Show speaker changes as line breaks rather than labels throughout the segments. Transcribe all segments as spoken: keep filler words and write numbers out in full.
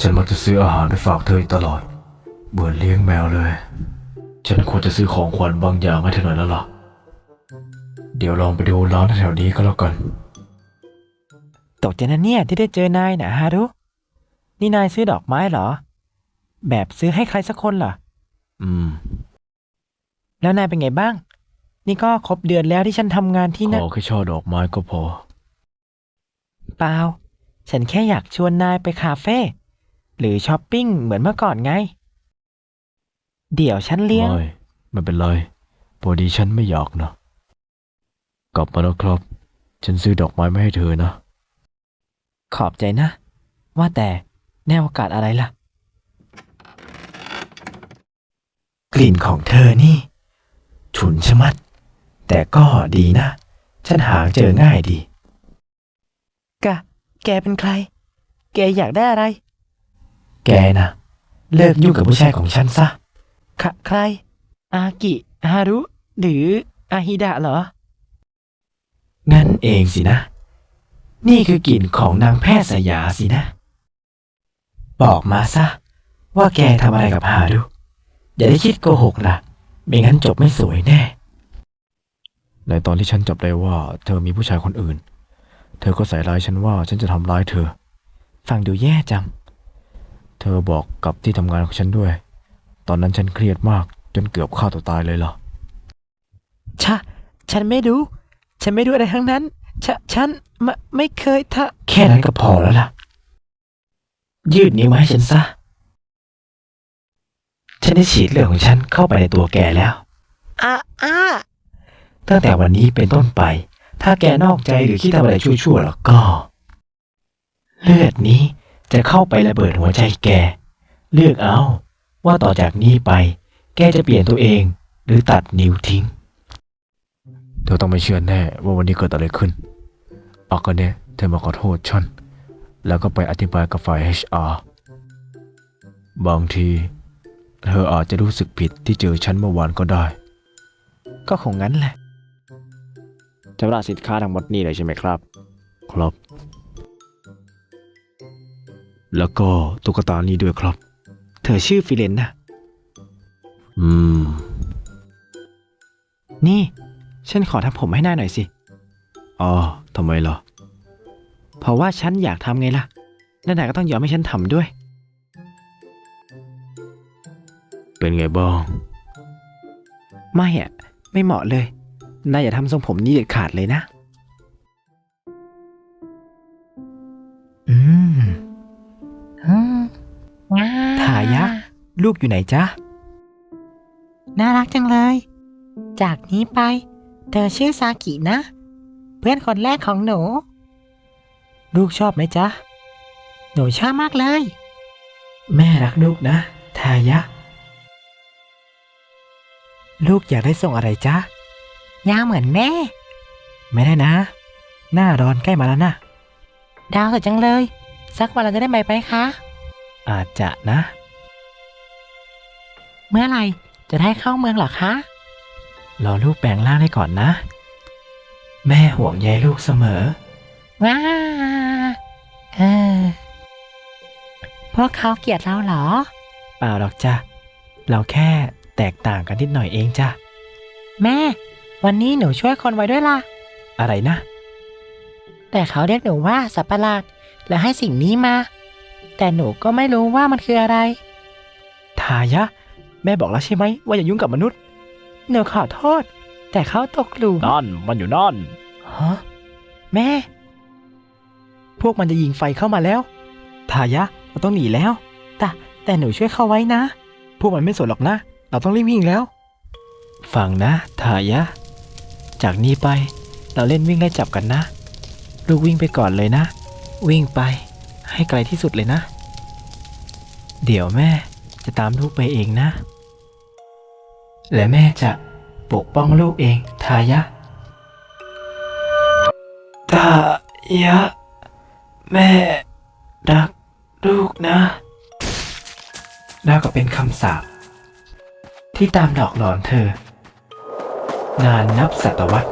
ฉันมักจะซื้ออาหารไปฝากเธอตลอดเหมือนเลี้ยงแมวเลยฉันควรจะซื้อของขวัญบางอย่างให้เธอหน่อยแล้วล่ะเดี๋ยวลองไปดูร้านแถวนี้ก็แล้วกัน
ตกใจนะเนี่ยที่ได้เจอนายนะฮารุนี่นายซื้อดอกไม้เหรอแบบซื้อให้ใครสักคนเหรอ
อืม
แล้วนายเป็นไงบ้างนี่ก็ครบเดือนแล้วที่ฉันทำงานที่
ข
นั่น
อแค่ช่อดอกไม้ก็พอ
เปล่าฉันแค่อยากชวนนายไปคาเฟ่หรือช้อปปิ้งเหมือนเมื่อก่อนไงเดี๋ยวฉันเลี้ยง
ไม่ไม่เป็นไรพอดีฉันไม่อยากนะกลับมาแล้วครับฉันซื้อดอกไม้มาให้เธอนะ
ขอบใจนะว่าแต่แนวอากาศอะไรล่ะกลิ่นของเธอนี่ฉุนชะมัดแต่ก็ดีนะฉันหาเจอง่ายดีกะแกเป็นใครแกอยากได้อะไรแกนะเลิกยุ่งกับผู้ชายของฉันซะคะใครอากิฮารุหรืออาฮิดะเหรองั้นเองสินะนี่คือกลิ่นของนางแพทย์สยาสินะบอกมาซะว่าแกทำอะไรกับฮารุอย่าได้คิดโกหกล่ะไม่งั้นจบไม่สวยแน่
ในตอนที่ฉันจับได้ว่าเธอมีผู้ชายคนอื่นเธอก็ใส่ร้ายฉันว่าฉันจะทำร้ายเธอ
ฟังดูแย่จัง
เธอบอกกับที่ทำงานของฉันด้วยตอนนั้นฉันเครียดมากจนเกือบฆ่าตัวตายเลยล่ะ
ชะฉันไม่รู้ฉันไม่รู้อะไรทั้งนั้นฉะฉันไม่ไม่เคยทะแค่นั้นก็พอแล้วล่ะยืดนิ้วมาให้ฉันซะฉันได้ฉีดเลือดของฉันเข้าไปในตัวแกแล้วอ่ะอ่ะตั้งแต่วันนี้เป็นต้นไปถ้าแกนอกใจหรือคิดทำอะไรชั่วๆแล้วก็เลือดนี้จะเข้าไประเบิดหัวใจแกเลือกเอาว่าต่อจากนี้ไปแกจะเปลี่ยนตัวเองหรือตัดนิ้วทิ้ง
เธอต้องไม่เชื่อแน่ว่าวันนี้เกิดอะไรขึ้นอากาเนะเธอมาขอโทษฉันแล้วก็ไปอธิบายกับฝ่าย เอช อาร์ บางทีเธออาจจะรู้สึกผิดที่เจอฉันเมื่อวานก็ได้
ก็คงงั้นแหละ
ชำระสินค้าทั้งหมดนี่เลยใช่ไหมครับครับแล้วก็ตุ๊กตานี้ด้วยครับ
เธอชื่อฟิเลนนะ
อืม
นี่ฉันขอทำผมให้หน้าหน่อยสิ
อ๋อทำไมล่ะ
เพราะว่าฉันอยากทำไงล่ะแล้วนายก็ต้องยอมให้ฉันทำด้วย
เป็นไงบ้าง
ไม่อ่ะไม่เหมาะเลยนายอย่าทำทรงผมนี้เด็ดขาดเลยนะอืมทายะลูกอยู่ไหนจ๊ะน่ารักจังเลยจากนี้ไปเธอชื่อซากินะเพื่อนคนแรกของหนูลูกชอบไหมจ๊ะหนูชอบมากเลยแม่รักลูกนะทายะลูกอยากได้ส่งอะไรจ๊ะยาวเหมือนแม่ไม่ได้นะหน้าร้อนใกล้มาแล้วนะดาวสวยจังเลยสักวันเราจะได้ไปไหมคะอาจจะนะเมื่อไหร่จะได้เข้าเมืองหรอคะรอลูกแปลงร่างได้ก่อนนะแม่ห่วงใยลูกเสมอว้าเออพวกเขาเกลียดเราเหรอเปล่าหรอกจ้ะเราแค่แตกต่างกันนิดหน่อยเองจ้ะแม่วันนี้หนูช่วยคนไว้ด้วยล่ะอะไรนะแต่เขาเรียกหนูว่าสัตว์ประหลาดและให้สิ่งนี้มาแต่หนูก็ไม่รู้ว่ามันคืออะไรทายะแม่บอกแล้วใช่ไหมว่าอย่ายุ่งกับมนุษย์หนูขอโทษแต่เขาตกหลุม
นั่นมันอยู่นั่น
ฮะแม่พวกมันจะยิงไฟเข้ามาแล้วทายะเราต้องหนีแล้วแต่แต่หนูช่วยเขาไว้นะพวกมันไม่สนหรอกนะเราต้องรีบวิ่งแล้วฟังนะทายะจากนี้ไปเราเล่นวิ่งไล่จับกันนะลูกวิ่งไปก่อนเลยนะวิ่งไปให้ไกลที่สุดเลยนะเดี๋ยวแม่จะตามลูกไปเองนะและแม่จะปกป้องลูกเองทายะทายะแม่รักลูกนะแล้วก็เป็นคำสาปที่ตามหลอกหลอนเธอนานนับศตวรรษ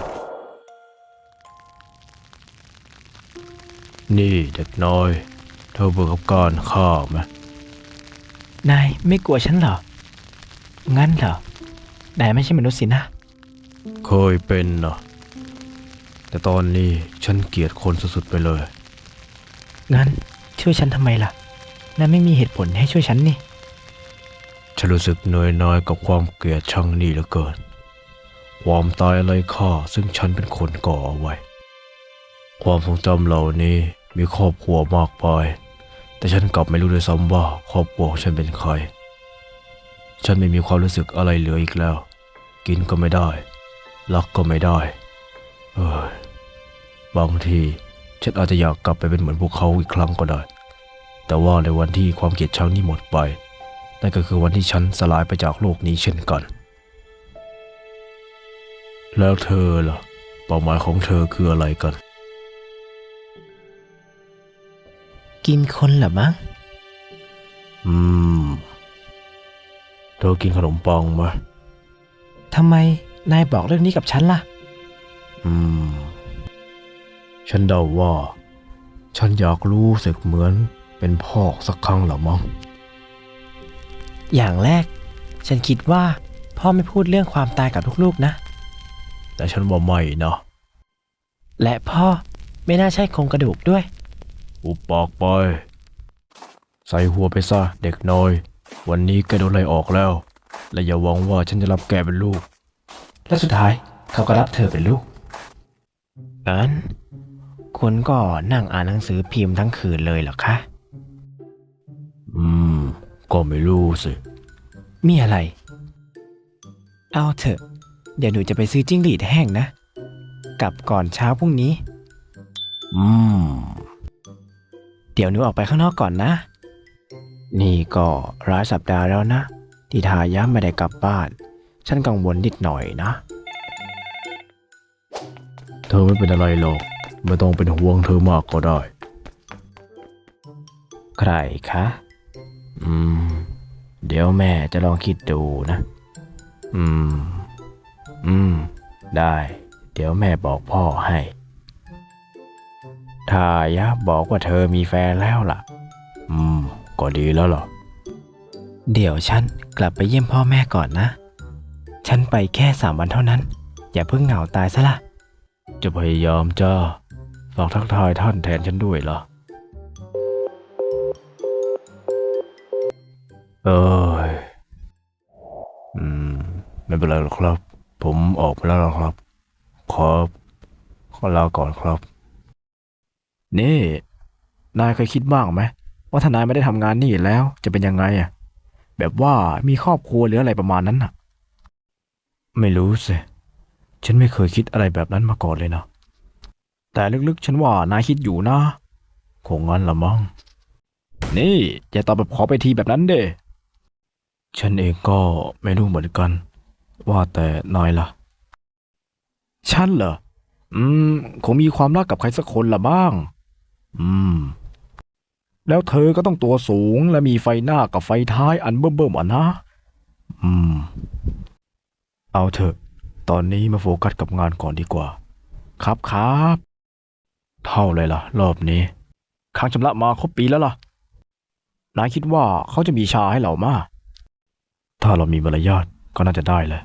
นี่เด็กน้อยเธอเบื่อกับการฆ่าไหม
นายไม่กลัวฉันเหรอ งั้นเหรอ นายไม่ใช่มนุษย์สินะ
เคยเป็นนะแต่ตอนนี้ฉันเกลียดคนสุดๆไปเลย
งั้นช่วยฉันทำไมล่ะ นายไม่มีเหตุผลให้ช่วยฉันนี่
ฉันรู้สึกเหนื่อยน้อยกับความเกลียดชังนี่เหลือเกิน ความตายอะไรค่าซึ่งฉันเป็นคนก่อเอาไว้ ความทรงจำเหล่านี้มีครอบครัวมากมาย แต่ฉันกลับไม่รู้ด้วยซ้ำว่าครอบครัวของฉันเป็นใคร ฉันไม่มีความรู้สึกอะไรเหลืออีกแล้ว กินก็ไม่ได้ รักก็ไม่ได้ เอ้ยบางทีฉันอาจจะอยากกลับไปเป็นเหมือนพวกเขาอีกครั้งก็ได้ แต่ว่าในวันที่ความเกลียดชังนี้หมดไป นั่นก็คือวันที่ฉันสลายไปจากโลกนี้เช่นกัน แล้วเธอล่ะเป้าหมายของเธอคืออะไรกัน
กินคนเหรอมั้ง
อืม เธอกินขนมปังไหม
ทำไมนายบอกเรื่องนี้กับฉันล่ะ
อืม ฉันเดาว่า ฉันอยากรู้สึกเหมือนเป็นพ่อสักครั้งละมั้ง
อย่างแรก ฉันคิดว่าพ่อไม่พูดเรื่องความตายกับลูกๆนะ
แต่ฉันว่าไม่นะ
และพ่อไม่น่าใช่โครงกระดูกด้วย
อุปปากไป ใส่หัวไปซะเด็กน้อย วันนี้แกโดนไล่ออกแล้ว และอย่าหวังว่าฉันจะรับแกเป็นลูก
และสุดท้ายเขาก็รับเธอเป็นลูก งั้นคุณก็นั่งอ่านหนังสือพิมพ์ทั้งคืนเลยเหรอคะ
อืม ก็ไม่รู้สิ
มีอะไร เอาเถอะ เดี๋ยวหนูจะไปซื้อจิ้งหรีดแห้งนะ กลับก่อนเช้าพรุ่งนี้
อืม
เดี๋ยวหนูออกไปข้างนอกก่อนนะ นี่ก็หลายสัปดาห์แล้วนะ ที่ทายะไม่ได้กลับบ้าน ฉันกังวลนิดหน่อยนะ
เธอไม่เป็นอะไรหรอก ไม่ต้องเป็นห่วงเธอมากก็ได้
ใครคะ อืม เดี๋ยวแม่จะลองคิดดูนะ อืม อืม ได้ เดี๋ยวแม่บอกพ่อให้ทายะบอกว่าเธอมีแฟนแล้วล่ะ
อืม ก็ดีแล้วล่ะ
เดี๋ยวฉันกลับไปเยี่ยมพ่อแม่ก่อนนะ ฉันไปแค่สามวันเท่านั้น อย่าเพิ่งเหงาตายซะละ
จะพยายามจ้า ฝากทักทายท่านแทนฉันด้วยล่ะ เอ้ย อืม ไม่เป็นไรหรอกครับ ผมออกไปแล้วล่ะครับ ขอ ขอลาก่อนครับ นี่ นายเคยคิดบ้างไหมว่าถ้านายไม่ได้ทำงานนี่แล้วจะเป็นยังไงอ่ะ แบบว่ามีครอบครัวหรืออะไรประมาณนั้นน่ะ ไม่รู้สิ ฉันไม่เคยคิดอะไรแบบนั้นมาก่อนเลยนะ แต่ลึกๆฉันว่านายคิดอยู่นะคงงั้นละมั้ง นี่อย่าตอบแบบขอไปทีแบบนั้นเด้ ฉันเองก็ไม่รู้เหมือนกัน ว่าแต่นายล่ะ ฉันเหรอ อืม คงมีความรักกับใครสักคนละบ้าง อืม แล้วเธอก็ต้องตัวสูงและมีไฟหน้ากับไฟท้ายอันเบิ่มๆอ่ะนะ อืม เอาเถอะ ตอนนี้มาโฟกัสกับงานก่อนดีกว่า ครับครับ เท่าเลยล่ะ รอบนี้ ค้างชำระมาครบปีแล้วล่ะ นายคิดว่าเขาจะมีชาให้เรามา ถ้าเรามีมารยาทก็น่าจะได้แหละ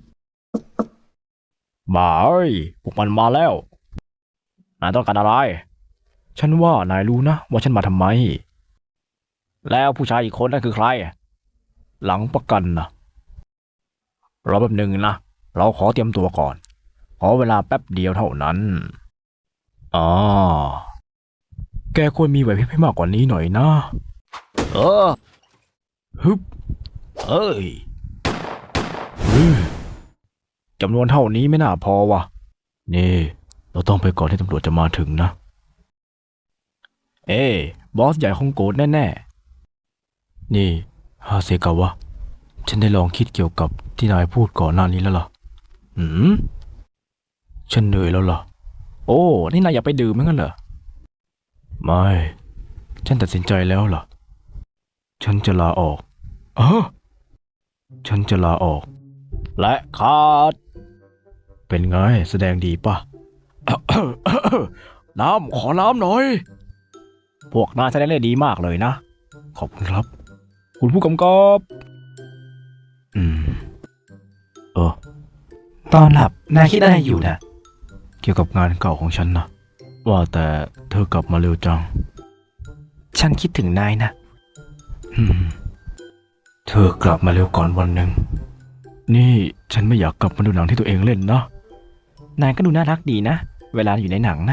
บ่าเอ้ยพวกมันมาแล้ว นายต้องการอะไร ฉันว่านายรู้นะว่าฉันมาทำไม แล้วผู้ชายอีกคนนั่นคือใคร หลังประกันนะรอแป๊บหนึ่งนะ เราขอเตรียมตัวก่อน ขอเวลาแป๊บเดียวเท่านั้นอ๋อแกควรมีไหวพริบให้มากกว่านี้หน่อยนะ เออ ฮึบเอ้ยฮึจำนวนเท่านี้ไม่น่าพอวะนี่ เราต้องไปก่อนที่ตำรวจจะมาถึงนะ เอ้บอสใหญ่คงโกรธแน่ๆ นี่ฮาเซกาวะ ฉันได้ลองคิดเกี่ยวกับที่นายพูดก่อนหน้านี้แล้วล่ะ หืม ฉันเหนื่อยแล้วล่ะ โอ้ นี่นายอยากไปดื่มมั้งกันเหรอ ไม่ ฉันตัดสินใจแล้วล่ะ ฉันจะลาออกเออฉันจะลาออก และขาด เป็นไง แสดงดีป่ะ น้ำ ขอน้ำหน่อยพวกนายแสดงได้ดีมากเลยนะ ขอบคุณครับ คุณผู้กำกับ อืม เออ
ตอนหลับนายคิดอะไรอยู่นะ
เกี่ยวกับงานเก่าของฉันนะ ว่าแต่เธอกลับมาเร็วจัง
ฉันคิดถึงนายนะ
อืม เธอกลับมาเร็วก่อนวันหนึ่ง นี่ฉันไม่อยากกลับมาดูหนังที่ตัวเองเล่นนะ
นายก็ดูน่ารักดีนะ เวลาอยู่ในหนังนะ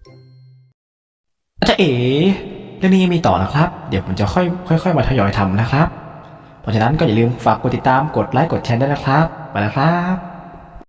จะเอ๋เรื่องนี้ยังมีต่อนะครับ เดี๋ยวผมจะค่อยค่อยๆมาทยอยทำนะครับ เพราะฉะนั้นก็อย่าลืมฝากกดติดตาม กดไลค์ กดแชร์ด้วยนะครับ ไปแล้วครับ